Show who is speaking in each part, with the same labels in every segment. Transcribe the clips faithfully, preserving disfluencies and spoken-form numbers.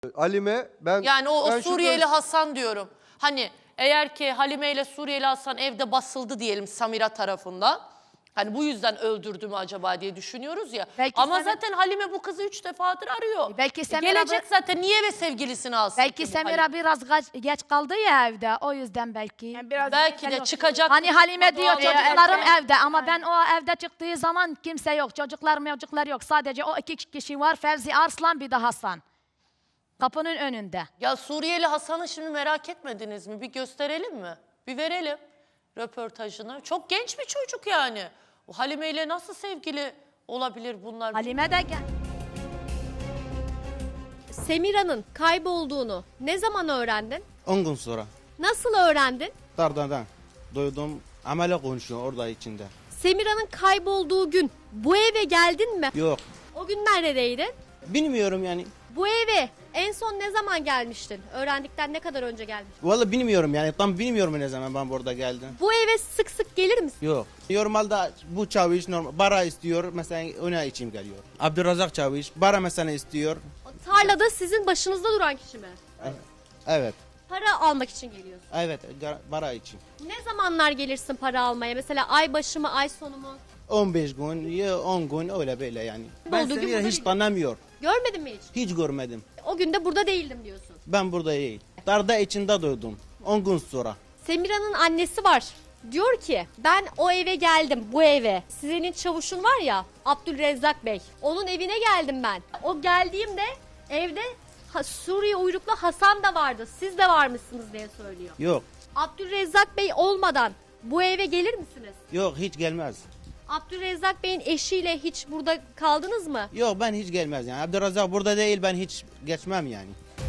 Speaker 1: Halime ben...
Speaker 2: Yani o, o
Speaker 1: ben
Speaker 2: Suriyeli
Speaker 1: şurada...
Speaker 2: Hasan diyorum. Hani eğer ki Halime ile Suriyeli Hasan evde basıldı diyelim Samira tarafından. Hani bu yüzden öldürdü mü acaba diye düşünüyoruz ya.
Speaker 3: Belki
Speaker 2: Ama
Speaker 3: Samira-
Speaker 2: zaten Halime bu kızı üç defadır arıyor.
Speaker 3: Belki
Speaker 2: E
Speaker 3: Samira
Speaker 2: gelecek
Speaker 3: bu-
Speaker 2: zaten, niye ve sevgilisini alsın
Speaker 3: Belki
Speaker 2: ki bu
Speaker 3: Semira
Speaker 2: Halime?
Speaker 3: biraz gaç- geç kaldı ya evde. O yüzden belki.
Speaker 4: Yani biraz
Speaker 2: Belki de çıkacak.
Speaker 3: Hani Halime diyor
Speaker 2: çıkmadı o an-
Speaker 3: çocuklarım
Speaker 4: erken.
Speaker 3: evde ama ben o evde çıktığı zaman kimse yok. Çocuklar mevcutlar yok. Sadece o iki kişi var. Fevzi Arslan bir de Hasan. Kapının önünde.
Speaker 2: Ya Suriyeli Hasan'ı şimdi merak etmediniz mi? Bir gösterelim mi? Bir verelim röportajını. Çok genç bir çocuk yani. O Halime ile nasıl sevgili olabilir bunlar?
Speaker 3: Halime de gel.
Speaker 5: Semira'nın kaybolduğunu ne zaman öğrendin?
Speaker 6: on gün sonra.
Speaker 5: Nasıl öğrendin?
Speaker 6: Dardadan duydum. Amele konuşuyor orada içinde.
Speaker 5: Semira'nın kaybolduğu gün bu eve geldin mi?
Speaker 6: Yok.
Speaker 5: O gün neredeydin?
Speaker 6: Bilmiyorum yani.
Speaker 5: Bu eve en son ne zaman gelmiştin? Öğrendikten ne kadar önce gelmiştin?
Speaker 6: Vallahi bilmiyorum yani. Tam bilmiyorum ne zaman ben burada geldim.
Speaker 5: Bu eve sık sık gelir misin?
Speaker 6: Yok. Normalde bu çavuş normal bara istiyor. Mesela ona içim geliyor. Abdurrazak çavuş bara mesela istiyor.
Speaker 5: O tarlada sizin başınızda duran kişi mi?
Speaker 6: Evet.
Speaker 5: Para almak için geliyorsun.
Speaker 6: Evet. Bara için.
Speaker 5: Ne zamanlar gelirsin para almaya? Mesela ay başı mı, ay sonu mu?
Speaker 6: on beş gün ya on gün öyle böyle yani. Ben
Speaker 5: Olduğu gibi
Speaker 6: seni
Speaker 5: burada
Speaker 6: hiç
Speaker 5: değil.
Speaker 6: tanımıyor.
Speaker 5: Görmedin mi hiç?
Speaker 6: Hiç görmedim.
Speaker 5: O gün de burada değildim diyorsun.
Speaker 6: Ben burada değil. Darda içinde duydum. on gün sonra.
Speaker 5: Semira'nın annesi var. Diyor ki ben o eve geldim, bu eve. Sizin çavuşun var ya Abdülrezzak Bey. Onun evine geldim ben. O geldiğimde evde Ha- Suriye uyruklu Hasan da vardı. Siz de varmışsınız diye söylüyor.
Speaker 6: Yok.
Speaker 5: Abdülrezzak Bey olmadan bu eve gelir misiniz?
Speaker 6: Yok hiç gelmez.
Speaker 5: Abdülrezzak Bey'in eşiyle hiç burada kaldınız mı?
Speaker 6: Yok ben hiç gelmez yani. Abdurrazak burada değil ben hiç geçmem yani.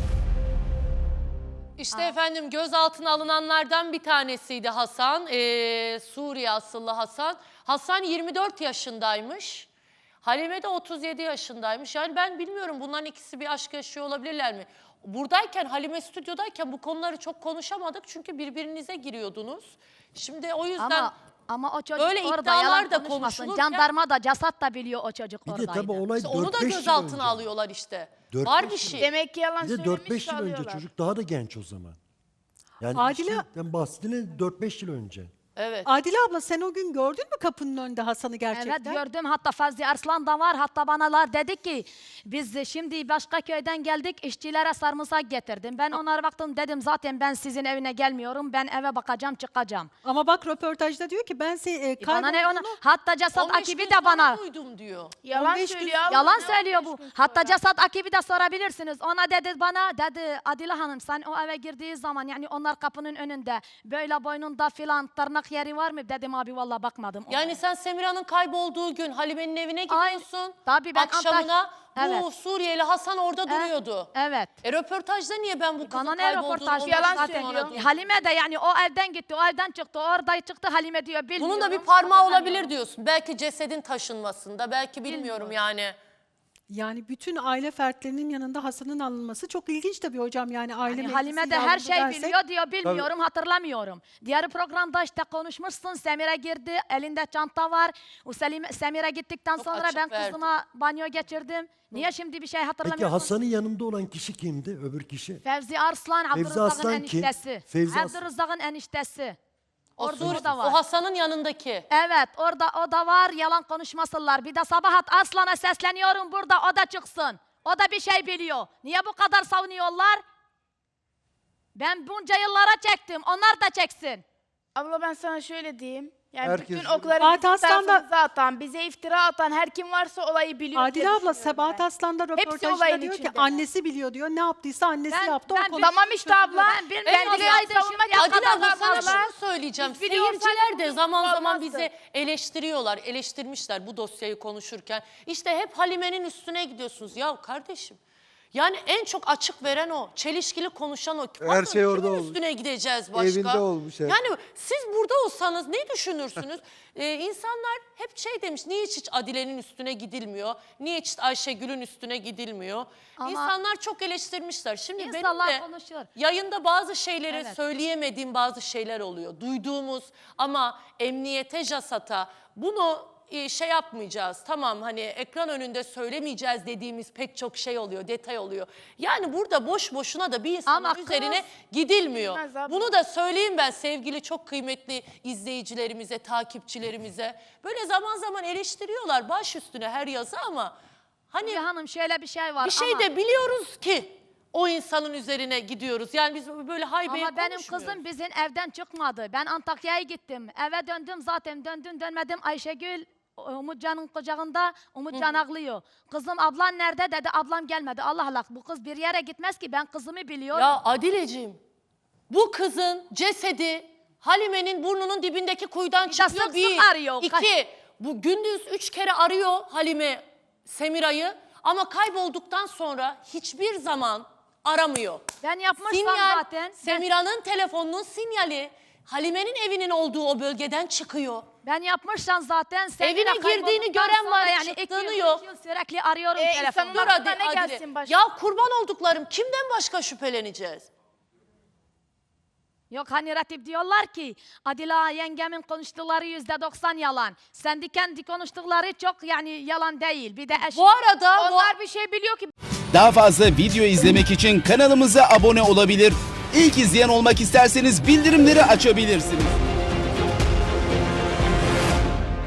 Speaker 2: İşte efendim gözaltına alınanlardan bir tanesiydi Hasan. Ee, Suriye asıllı Hasan. Hasan yirmi dört yaşındaymış. Halime de otuz yedi yaşındaymış. Yani ben bilmiyorum, bunların ikisi bir aşk yaşıyor olabilirler mi? Buradayken, Halime stüdyodayken bu konuları çok konuşamadık. Çünkü birbirinize giriyordunuz. Şimdi o yüzden...
Speaker 3: Ama ama o çocuk
Speaker 2: Böyle
Speaker 3: orada
Speaker 2: iddialar
Speaker 3: yalan
Speaker 2: da
Speaker 3: konuşmasın.
Speaker 2: konuşulurken-
Speaker 3: Jandarma da casat da biliyor o çocuk
Speaker 7: Bir de
Speaker 3: oradaydı.
Speaker 7: tabii olay
Speaker 2: İşte onu da
Speaker 7: dört beş yıl
Speaker 2: gözaltına
Speaker 7: önce.
Speaker 2: alıyorlar işte.
Speaker 7: Dört
Speaker 2: Var
Speaker 7: beş
Speaker 2: bir
Speaker 7: yıl.
Speaker 2: şey.
Speaker 4: Demek ki yalan
Speaker 7: Bir de
Speaker 4: söylemiş
Speaker 7: dört beş yıl önce
Speaker 4: alıyorlar.
Speaker 7: çocuk daha da genç o zaman. Yani
Speaker 8: Adile-
Speaker 7: işten bahsettiğine dört beş yıl önce.
Speaker 2: Evet.
Speaker 8: Adile abla sen o gün gördün mü kapının önünde Hasan'ı gerçekten?
Speaker 3: Evet gördüm, hatta Fazlı Arslan da var. Hatta banalar dedi ki biz şimdi başka köyden geldik, işçilere sarımsak getirdim. Ben onlara baktım, dedim zaten ben sizin evine gelmiyorum, ben eve bakacağım çıkacağım.
Speaker 8: Ama bak röportajda diyor ki ben seni e,
Speaker 3: E bana ne ona,
Speaker 8: kaybolduğunu-
Speaker 3: hatta casat
Speaker 2: on beş
Speaker 3: akibi
Speaker 2: gün
Speaker 3: de
Speaker 2: sonra
Speaker 3: bana
Speaker 2: duydum diyor.
Speaker 4: Yalan
Speaker 8: on beş gün-
Speaker 4: söylüyor. abla,
Speaker 3: yalan
Speaker 4: ne
Speaker 3: söylüyor
Speaker 4: on
Speaker 3: bu.
Speaker 4: beş gün
Speaker 3: Hatta
Speaker 4: sonra?
Speaker 3: casat akibi de sorabilirsiniz. Ona dedi, bana dedi Adile Hanım sen o eve girdiği zaman yani onlar kapının önünde böyle boynunda filan tırnak yeri var mı? Dedim abi vallahi bakmadım. ona.
Speaker 2: Yani sen Semira'nın kaybolduğu gün Halime'nin evine
Speaker 3: Aynen.
Speaker 2: gidiyorsun.
Speaker 3: Tabii ben
Speaker 2: Akşamına
Speaker 3: hatta-
Speaker 2: bu
Speaker 3: Evet.
Speaker 2: Suriyeli Hasan orada duruyordu.
Speaker 3: Evet.
Speaker 2: E röportajda niye ben bu kızın
Speaker 3: Bana ne
Speaker 2: kaybolduğunu
Speaker 3: röportaj,
Speaker 2: on beş
Speaker 4: yalan
Speaker 2: gün
Speaker 3: zaten
Speaker 2: sonra
Speaker 4: söylüyor.
Speaker 2: duydum?
Speaker 3: Halime de yani o evden gitti, o evden çıktı, orada çıktı Halime diyor bilmiyorum.
Speaker 2: Bunun da bir parmağı olabilir diyorsun. Belki cesedin taşınmasında, belki bilmiyorum yani.
Speaker 8: Yani bütün aile fertlerinin yanında Hasan'ın alınması çok ilginç tabii hocam. Yani aile
Speaker 3: Yani
Speaker 8: meclisi
Speaker 3: Halime de her
Speaker 8: yardımı
Speaker 3: şey
Speaker 8: dersek-
Speaker 3: biliyor diyor, bilmiyorum, hatırlamıyorum. Diğer programda işte konuşmuşsun, Semire girdi, elinde çanta var. O Selim, Semire gittikten
Speaker 2: Çok
Speaker 3: sonra
Speaker 2: açık
Speaker 3: ben
Speaker 2: verdi.
Speaker 3: kızıma banyo geçirdim. Niye şimdi bir şey
Speaker 7: Peki
Speaker 3: hatırlamıyorsun?
Speaker 7: Hasan'ın yanında olan kişi kimdi? Öbür kişi?
Speaker 3: Fevzi Arslan,
Speaker 7: Fevzi
Speaker 3: Abdurrezzak'ın
Speaker 7: Arslan kim?
Speaker 3: eniştesi.
Speaker 7: Fevzi Arslan.
Speaker 3: Abdurrezzak'ın eniştesi.
Speaker 2: O,
Speaker 3: Orada
Speaker 2: Sur-
Speaker 3: o da var.
Speaker 2: o Hasan'ın yanındaki.
Speaker 3: Evet, orada o da var, yalan konuşmasınlar. Bir de Sabahat Arslan'a sesleniyorum burada, o da çıksın. O da bir şey biliyor. Niye bu kadar savunuyorlar? Ben bunca yıllara çektim, onlar da çeksin.
Speaker 4: Abla ben sana şöyle diyeyim. Yani
Speaker 1: Herkes-
Speaker 4: bütün okları
Speaker 8: Fatih
Speaker 4: bizim
Speaker 8: Aslan da-
Speaker 4: tarafımıza atan, bize iftira atan her kim varsa olayı biliyor.
Speaker 8: Adile
Speaker 4: diye
Speaker 8: abla
Speaker 4: düşünüyorum
Speaker 8: Sebahat
Speaker 4: ben.
Speaker 8: Aslan da
Speaker 4: Hepsi
Speaker 8: röportajda
Speaker 4: olayın
Speaker 8: diyor ki
Speaker 4: içindeler.
Speaker 8: annesi biliyor diyor. Ne yaptıysa annesi
Speaker 3: Ben-
Speaker 8: yaptı.
Speaker 3: ben
Speaker 8: o konu-
Speaker 3: bil-
Speaker 4: Tamam işte abla.
Speaker 3: Ben bilmiyorum.
Speaker 4: Ben
Speaker 3: Biliyordu
Speaker 4: biliyorsam
Speaker 3: şimdi
Speaker 4: savunmak
Speaker 2: Adile abla
Speaker 4: yapmadan
Speaker 2: sana
Speaker 4: abla.
Speaker 2: şunu söyleyeceğim.
Speaker 4: Biz biliyorsak
Speaker 2: Seyirciler de
Speaker 4: bu
Speaker 2: zaman zaman
Speaker 4: olmazdı.
Speaker 2: bizi eleştiriyorlar. Eleştirmişler bu dosyayı konuşurken. İşte hep Halime'nin üstüne gidiyorsunuz. Ya kardeşim, yani en çok açık veren o. Çelişkili konuşan o.
Speaker 1: Her
Speaker 2: Bakın,
Speaker 1: şey orada
Speaker 2: kimin
Speaker 1: olmuş.
Speaker 2: üstüne gideceğiz başka?
Speaker 1: Evinde olmuş hep.
Speaker 2: Yani siz burada olsanız ne düşünürsünüz? ee, insanlar hep şey demiş. Niye hiç Adile'nin üstüne gidilmiyor? Niye hiç Ayşegül'ün üstüne gidilmiyor?
Speaker 3: Ama-
Speaker 2: İnsanlar çok eleştirmişler. Şimdi
Speaker 3: İnsanlar
Speaker 2: benim de
Speaker 3: konuşuyor.
Speaker 2: yayında bazı şeyleri
Speaker 3: Evet.
Speaker 2: söyleyemediğim bazı şeyler oluyor. Duyduğumuz ama emniyete, JASAT'a bunu e, şey yapmayacağız. Tamam hani ekran önünde söylemeyeceğiz dediğimiz pek çok şey oluyor, detay oluyor. Yani burada boş boşuna da bir insanın
Speaker 3: Ama kız-
Speaker 2: üzerine gidilmiyor.
Speaker 4: Bilmez abla.
Speaker 2: Bunu da söyleyeyim ben sevgili çok kıymetli izleyicilerimize, takipçilerimize. Böyle zaman zaman eleştiriyorlar baş üstüne her yazı ama hani
Speaker 3: Hülya Hanım şöyle bir şey var
Speaker 2: bir şey
Speaker 3: ama,
Speaker 2: de biliyoruz ki o insanın üzerine gidiyoruz. Yani biz böyle haybeye
Speaker 3: ama benim
Speaker 2: konuşmuyoruz.
Speaker 3: kızım bizim evden çıkmadı. Ben Antakya'ya gittim. Eve döndüm zaten döndüm dönmedim Ayşegül Umutcan'ın kucağında Umutcan ağlıyor. Kızım ablan nerede dedi ablam gelmedi. Allah Allah bu kız bir yere gitmez ki ben kızımı biliyorum.
Speaker 2: Ya Adileciğim bu kızın cesedi Halime'nin burnunun dibindeki kuyudan
Speaker 3: de
Speaker 2: çıkıyor.
Speaker 3: sık sık
Speaker 2: Bir,
Speaker 3: arıyor.
Speaker 2: iki, bu gündüz üç kere arıyor Halime Semira'yı ama kaybolduktan sonra hiçbir zaman aramıyor.
Speaker 3: Ben yapmışsam
Speaker 2: Sinyal,
Speaker 3: zaten. Ben,
Speaker 2: Semira'nın telefonunun sinyali Halime'nin evinin olduğu o bölgeden çıkıyor.
Speaker 3: ben yapmışsam zaten. Semira
Speaker 2: Evine girdiğini
Speaker 3: kaybolduktan
Speaker 2: gören var,
Speaker 3: sonra yani iki
Speaker 2: çıktığını
Speaker 3: yıl,
Speaker 2: yok.
Speaker 3: üç yıl sürekli arıyorum
Speaker 4: E,
Speaker 3: telefonla.
Speaker 4: insanın
Speaker 2: Dur
Speaker 4: aklına
Speaker 2: hadi
Speaker 4: ne
Speaker 2: Adile.
Speaker 4: gelsin başka?
Speaker 2: Ya kurban olduklarım kimden başka şüpheleneceğiz?
Speaker 3: Yok hani Ratip diyorlar ki Adila yengemin konuştukları yüzde doksan yalan. Sen de kendi konuştukları çok yani yalan değil. Bir de eş...
Speaker 2: Bu arada bu-
Speaker 4: Onlar bir şey biliyor ki
Speaker 1: Daha fazla video izlemek için kanalımıza abone olabilir. İlk izleyen olmak isterseniz bildirimleri açabilirsiniz.